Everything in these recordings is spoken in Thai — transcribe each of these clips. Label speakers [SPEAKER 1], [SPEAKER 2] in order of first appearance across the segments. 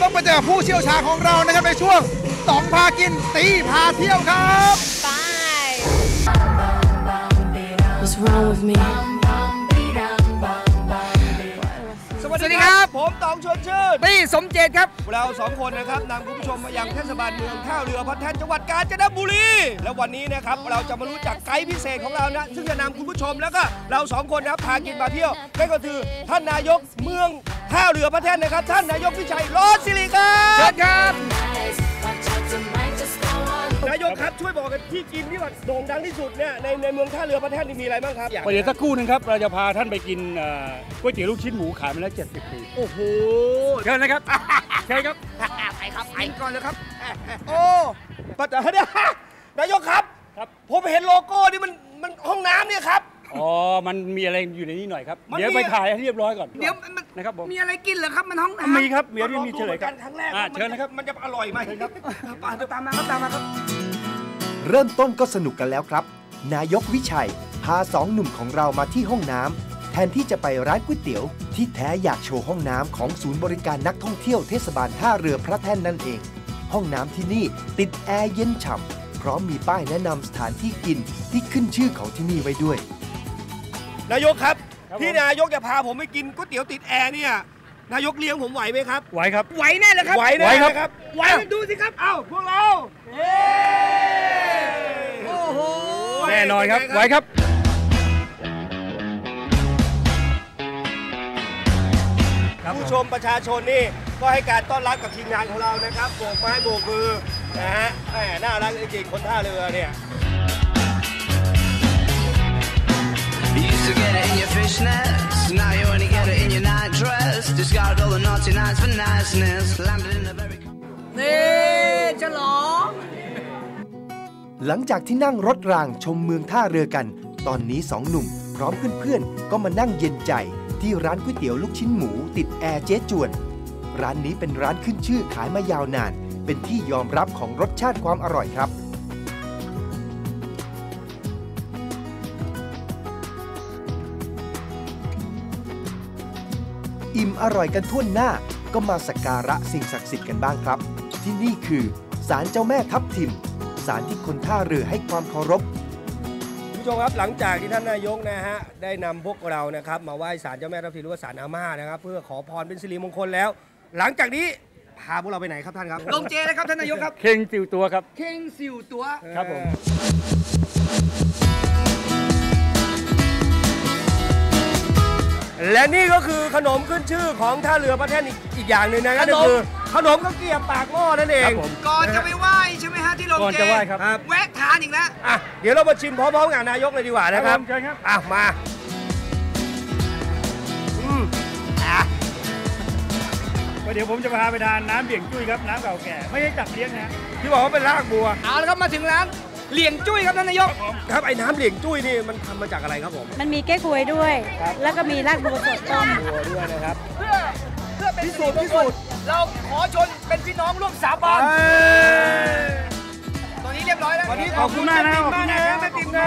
[SPEAKER 1] ต้องไปเจอผู้เชี่ยวชาญของเรานะครับในช่วงต๋องพากินตีพาเที่ยวครับไป What's wrong with meสวัสดีครับผมต๋องชวนชื่นตี้สมเจตครับเรา2คนนะครับนำคุณผู้ชมมายังเทศบาลเมืองท่าเรือพัฒน์จังหวัดกาญจนบุรีและวันนี้นะครับเราจะมารู้จักไกด์พิเศษของเรานะซึ่งจะนำคุณผู้ชมแล้วก็เรา2คนนะพากินมาเที่ยวนั่นก็คือท่านนายกเมืองท่าเรือพัฒน์นะครับท่านนายกวิชัยรอดศิริครับเชิญครับนายกครับช่วยบอกกันที่กินที่ว่าโด่งดังที่สุดเนี่ยในเมืองท่าเรือพัฒน์นี่มีอะไรบ้างครับ
[SPEAKER 2] เดี๋ยวสักครู่นึงครับเราจะพาท่านไปกินก๋วยเตี๋ยวลูกชิ้นหมูขายมาแล้ว70 ปี
[SPEAKER 1] โอ้โห
[SPEAKER 2] เชิญนะครับเชิญครับ
[SPEAKER 1] ไปครับไปก่อนเลยครับโอ้ปัจจัยเนี่ยนายกครับผมเห็นโลโก้นี่มันห้องน้ำเนี่ยครับ
[SPEAKER 2] อ๋อมันมีอะไรอยู่ในนี้หน่อยครับเดี๋ยวไปถ่ายให้เรียบร้อยก่อน
[SPEAKER 1] เดี๋ยว
[SPEAKER 2] นะครับผม
[SPEAKER 1] มีอะไรกินเหรอครับมันห้องน้ำ
[SPEAKER 2] มีครับเดี๋ยวมีเฉลยครับ
[SPEAKER 1] ครั้งแรก
[SPEAKER 2] เชิญนะครับ
[SPEAKER 1] มันจะอร่อยไหมครับตามมาครับ
[SPEAKER 3] เริ่มต้นก็สนุกกันแล้วครับนายกวิชัยพา2 หนุ่มของเรามาที่ห้องน้ำแทนที่จะไปร้านก๋วยเตี๋ยวที่แท้อยากโชว์ห้องน้ำของศูนย์บริการนักท่องเที่ยวเทศบาลท่าเรือพระแท่นนั่นเองห้องน้ำที่นี่ติดแอร์เย็นฉ่ำพร้อมมีป้ายแนะนำสถานที่กินที่ขึ้นชื่อของที่นี่ไว้ด้วย
[SPEAKER 1] นายกครับที่นายกจะพาผมไปกินก๋วยเตี๋ยวติดแอร์เนี่ยนายกเลี้ยงผมไหวไหมครับ
[SPEAKER 2] ไหวครับ
[SPEAKER 1] ไหวแน่เลยครับ
[SPEAKER 2] ไหวแน่ครับ
[SPEAKER 1] ไหวดูสิครับเอ้าพวกเราโอ้โห
[SPEAKER 2] แน่นอนครับไหวครับ
[SPEAKER 1] ผู้ชมประชาชนนี่ก็ให้การต้อนรับกับทีมงานของเรานะครับโบกไม้โบกมือนะฮะแหมน่ารักจริงๆคนท่าเรือเนี่ย
[SPEAKER 4] To get it in your fishnets, now you only get it in your night dress. Discard all the naughty nights for niceness. Landed in the very.
[SPEAKER 1] นี่ฉลอง
[SPEAKER 3] หลังจากที่นั่งรถรางชมเมืองท่าเรือกันตอนนี้2 หนุ่มพร้อมเพื่อนๆก็มานั่งเย็นใจที่ร้านก๋วยเตี๋ยวลูกชิ้นหมูติดแอร์เจ๊จวนร้านนี้เป็นร้านขึ้นชื่อขายมายาวนานเป็นที่ยอมรับของรสชาติความอร่อยครับอิ่มอร่อยกันทั่วหน้าก็มาสักการะสิ่งศักดิ์สิทธิ์กันบ้างครับที่นี่คือศาลเจ้าแม่ทับทิมศาลที่คนท่าเรือให้ความเคารพ
[SPEAKER 1] ผู้ชมครับหลังจากที่ท่านนายกนะฮะได้นำพวกเรานะครับมาไหว้ศาลเจ้าแม่ทับทิมหรือว่าศาลอาม่านะครับเพื่อขอพรเป็นสิริมงคลแล้วหลังจากนี้พาพวกเราไปไหนครับท่านครับลงเจนะครับท่านนายกครับ
[SPEAKER 2] เข่งสิวตัวครับ
[SPEAKER 1] เข่งสิวตัว
[SPEAKER 2] ครับผม
[SPEAKER 1] และนี่ก็คือขนมขึ้นชื่อของท่าเรือพระแท่นอีกอย่างหนึ่งนะก็คือขนมข้าวเกรี๊ยวปากหม้อนั่นเองก่อนจะไปไหว้ใช่ไหมฮะที่โรงเจก่อน
[SPEAKER 2] จะไหว้ครับ
[SPEAKER 1] แวะทานอีกแล้วเดี๋ยวเรามาชิมพร้อมๆกับนายกเลยดีกว่านะครับ
[SPEAKER 2] ใช่ครับ
[SPEAKER 1] มา
[SPEAKER 2] เดี๋ยวผมจะพาไปทานน้ำเบี่ยงจุ้ยครับน้ำเก่าแก่ไม่ใช่จับเลี้ยงนะ
[SPEAKER 1] ที่บอกว่าเป็นรากบัวเอาละครับมาถึงร้านเหลี่ยงจุ้ยครับท่านนายกครับไอ้น้ำเหลี่ยงจุ้ยนี่มันทำมาจากอะไรครับผม
[SPEAKER 5] มันมีเก๊กฮวยด้วยแล้วก็มีรากบัวสดต้ม
[SPEAKER 1] บัวด้วยนะครับเพื่อเป็นพิสูจน์เราขอชนเป็นพี่น้องร่วมสาบานตอนนี้เรียบร้อยแล้ว
[SPEAKER 2] วันนี้ขอบคุณมากนะ
[SPEAKER 1] แม่ติ๋มนะ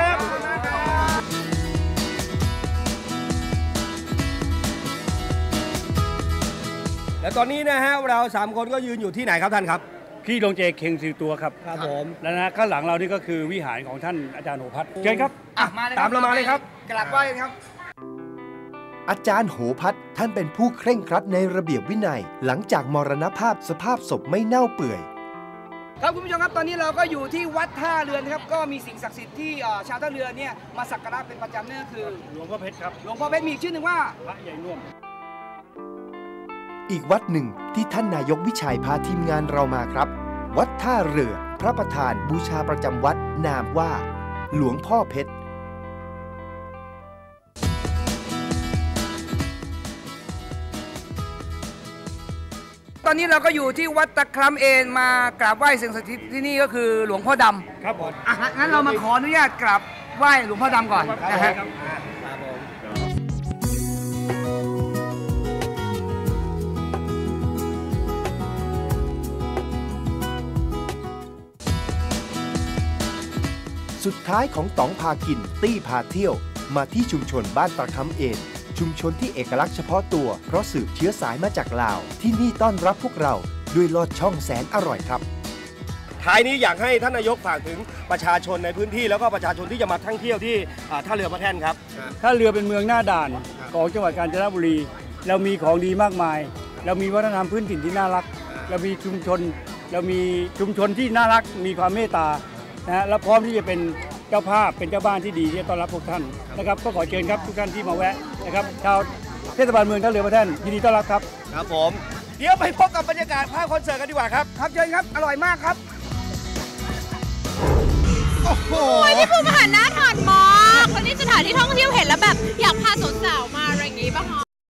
[SPEAKER 1] และตอนนี้นะฮะเรา3 คนก็ยืนอยู่ที่ไหนครับท่านครับ
[SPEAKER 2] ที่โรงเจเข่งสิวตัวครับ
[SPEAKER 1] ครับผม
[SPEAKER 2] แล้วนะข้างหลังเรานี่ก็คือวิหารของท่านอาจารย์โหพัฒน์เชิญครับ
[SPEAKER 1] ตามเรามาเลยครับกราบไหว้ครับ
[SPEAKER 3] อาจารย์โหพัฒน์ท่านเป็นผู้เคร่งครัดในระเบียบวินัยหลังจากมรณภาพสภาพศพไม่เน่าเปื่อย
[SPEAKER 1] ครับคุณผู้ชมครับตอนนี้เราก็อยู่ที่วัดท่าเรือนะครับก็มีสิ่งศักดิ์สิทธิ์ที่ชาวท่าเรือเนี่ยมาสักการะเป็นประจำนั่นก็คือ
[SPEAKER 2] หลวงพ่อเพชรครับ
[SPEAKER 1] หลวงพ่อเพชรมีชื่อหนึ่งว่า
[SPEAKER 2] พระใหญ่น่วม
[SPEAKER 3] อีกวัดหนึ่งที่ท่านนายกวิชัยพาทีมงานเรามาครับวัดท่าเรือพระประธานบูชาประจำวัดนามว่าหลวงพ่อเพชร
[SPEAKER 1] ตอนนี้เราก็อยู่ที่วัดตะคร้ำเอนมากราบไหว้สิ่งศักดิ์สิทธิ์ที่นี่ก็คือหลวงพ่อด
[SPEAKER 2] ำครับผม
[SPEAKER 1] งั้นเรามาขออนุญาตกราบไหว้หลวงพ่อดำก่อนนะฮะ
[SPEAKER 3] สุดท้ายของต๋องพากินตี้พาเที่ยวมาที่ชุมชนบ้านตะคร้ำเอนชุมชนที่เอกลักษณ์เฉพาะตัวเพราะสืบเชื้อสายมาจากลาวที่นี่ต้อนรับพวกเราด้วยลอดช่องแสนอร่อยครับ
[SPEAKER 1] ท้ายนี้อยากให้ท่านนายกฝากถึงประชาชนในพื้นที่แล้วก็ประชาชนที่จะมาท่องเที่ยวที่ท่าเรือพระแท่นครับ
[SPEAKER 2] ถ้าเรือเป็นเมืองหน้าด่านของจังหวัดกาญจนบุรี เรามีของดีมากมาย เรามีวัฒนธรรมพื้นถิ่นที่น่ารัก เรามีชุมชนที่น่ารักมีความเมตตานะฮะและพร้อมที่จะเป็นเจ้าภาพเป็นเจ้าบ้านที่ดีที่จะต้อนรับพวกท่านนะครับก็ขอเชิญครับทุกท่านที่มาแวะนะครับชาวเทศบาลเมืองท่าเรือพระแท่นยินดีต้อนรับครับ
[SPEAKER 1] ครับผมเดี๋ยวไปพบกับบรรยากาศภาพคอนเสิร์ตกันดีกว่าครับครับเชิญครับอร่อยมากครับโอ้โห
[SPEAKER 6] พี่ภูมิอาหารน่าทานมากวันนี้สถานที่ท่องเที่ยวเห็นแล้วแบบอยากพาสาวๆมาอะไรอย่างงี้ป่ะคะ